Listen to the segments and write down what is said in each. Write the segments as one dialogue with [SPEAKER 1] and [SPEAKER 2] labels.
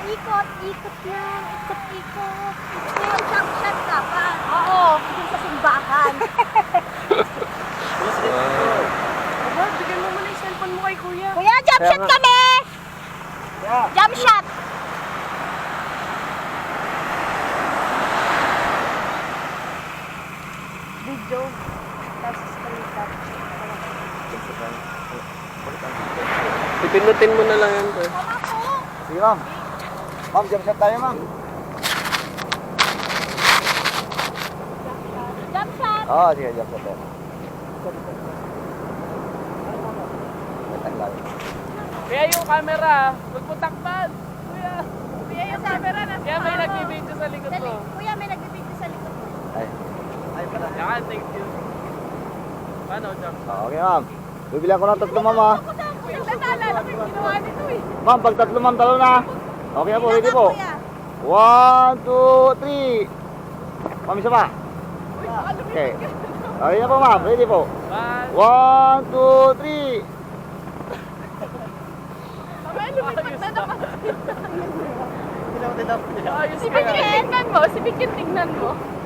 [SPEAKER 1] ikot. Ikot na. Ikot. Ngayon, jump shot ka pa. Oo, dun sa simbahan.
[SPEAKER 2] Aba, bigyan mo muna yung cellphone mo kay kuya.
[SPEAKER 1] Kuya, jump shot kami! Jump shot!
[SPEAKER 2] Video. Tapos screenshot.
[SPEAKER 3] Pipinutin mo na lang yan, sir.
[SPEAKER 1] Tama po!
[SPEAKER 4] Sige, ma'am. Ma'am, jump shot tayo, ma'am.
[SPEAKER 1] Jump shot!
[SPEAKER 4] Oo, sige, jump shot tayo.
[SPEAKER 3] Kaya yung camera, huwag mo takpan. Kuya.
[SPEAKER 1] Kuya, yung camera na.
[SPEAKER 3] Kaya may nagbibideo sa likod mo.
[SPEAKER 1] Kuya, may nagbibigay sa likod mo.
[SPEAKER 4] Ay. Ay, pala.
[SPEAKER 3] Yan, thank you. Paano, Jam?
[SPEAKER 4] Okay, ma'am. Bibilang ko ng tatlo, ma'am, ha.
[SPEAKER 1] Nagtatala lang yung ginawa nito eh.
[SPEAKER 4] Ma'am, pag tatlo, ma'am, talo na. Okay na po, ready po.
[SPEAKER 1] Kuya.
[SPEAKER 4] 1, 2, 3. Ma'am, isa pa. Okay. Okay na po, ma'am. Ready po. 1, 2, 3.
[SPEAKER 3] Ayos ka nga.
[SPEAKER 2] Tignan mo, si Vicky tignan mo.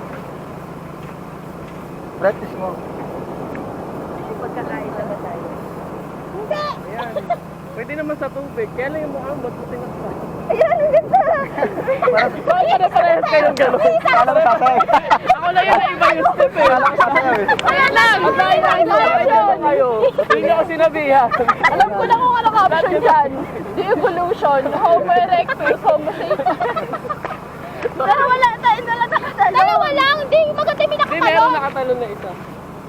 [SPEAKER 4] Practice mo.
[SPEAKER 2] Pagkakain na ba tayo?
[SPEAKER 1] Hindi!
[SPEAKER 3] Ayan. Pwede naman sa tubig. Kaya lang yung mukha mo, buti na pa.
[SPEAKER 1] Ayan, ang ganda!
[SPEAKER 3] Bakit na parehas kayong gano'n?
[SPEAKER 4] Kala ko sasayag.
[SPEAKER 3] Ako lang yun na iba yung step eh.
[SPEAKER 4] Kala ko sasayag eh.
[SPEAKER 2] Ayan lang!
[SPEAKER 3] Ang dahil na kayo. Hindi ako sinabihan.
[SPEAKER 2] Alam ko na kung ano caption dyan. The evolution, Homo erectus, Homo sapiens.
[SPEAKER 1] Pero wala tayo na lang nakatalo. Dalawa lang, hindi. Maganda yung
[SPEAKER 3] Hindi,
[SPEAKER 1] nakatalo.
[SPEAKER 3] meron nakatalon na isa.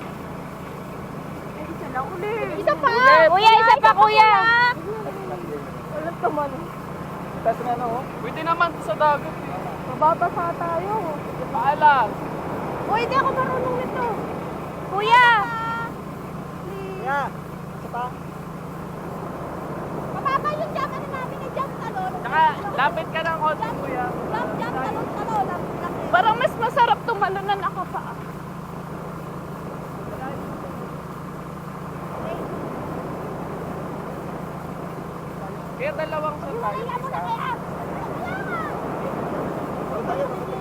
[SPEAKER 1] Isa pa! Kuya, isa pa, kuya!
[SPEAKER 2] Alam naman.
[SPEAKER 4] Tapos na, no?
[SPEAKER 3] Pwede naman sa dagat eh.
[SPEAKER 2] Mababasa tayo.
[SPEAKER 3] Paalam.
[SPEAKER 1] Uy, hindi ako marunong nito. Kuya!
[SPEAKER 4] Kaya, isa pa.
[SPEAKER 1] Mababa yung jump ano namin eh, jump talon.
[SPEAKER 3] Tsaka, lapit ka ng konti, kuya.
[SPEAKER 1] Jump talon.
[SPEAKER 2] Parang mas masarap tumalo na nakapaa.
[SPEAKER 3] Kaya dalawang sa tayo.
[SPEAKER 1] Kaya mo na kaya.
[SPEAKER 4] Tayo,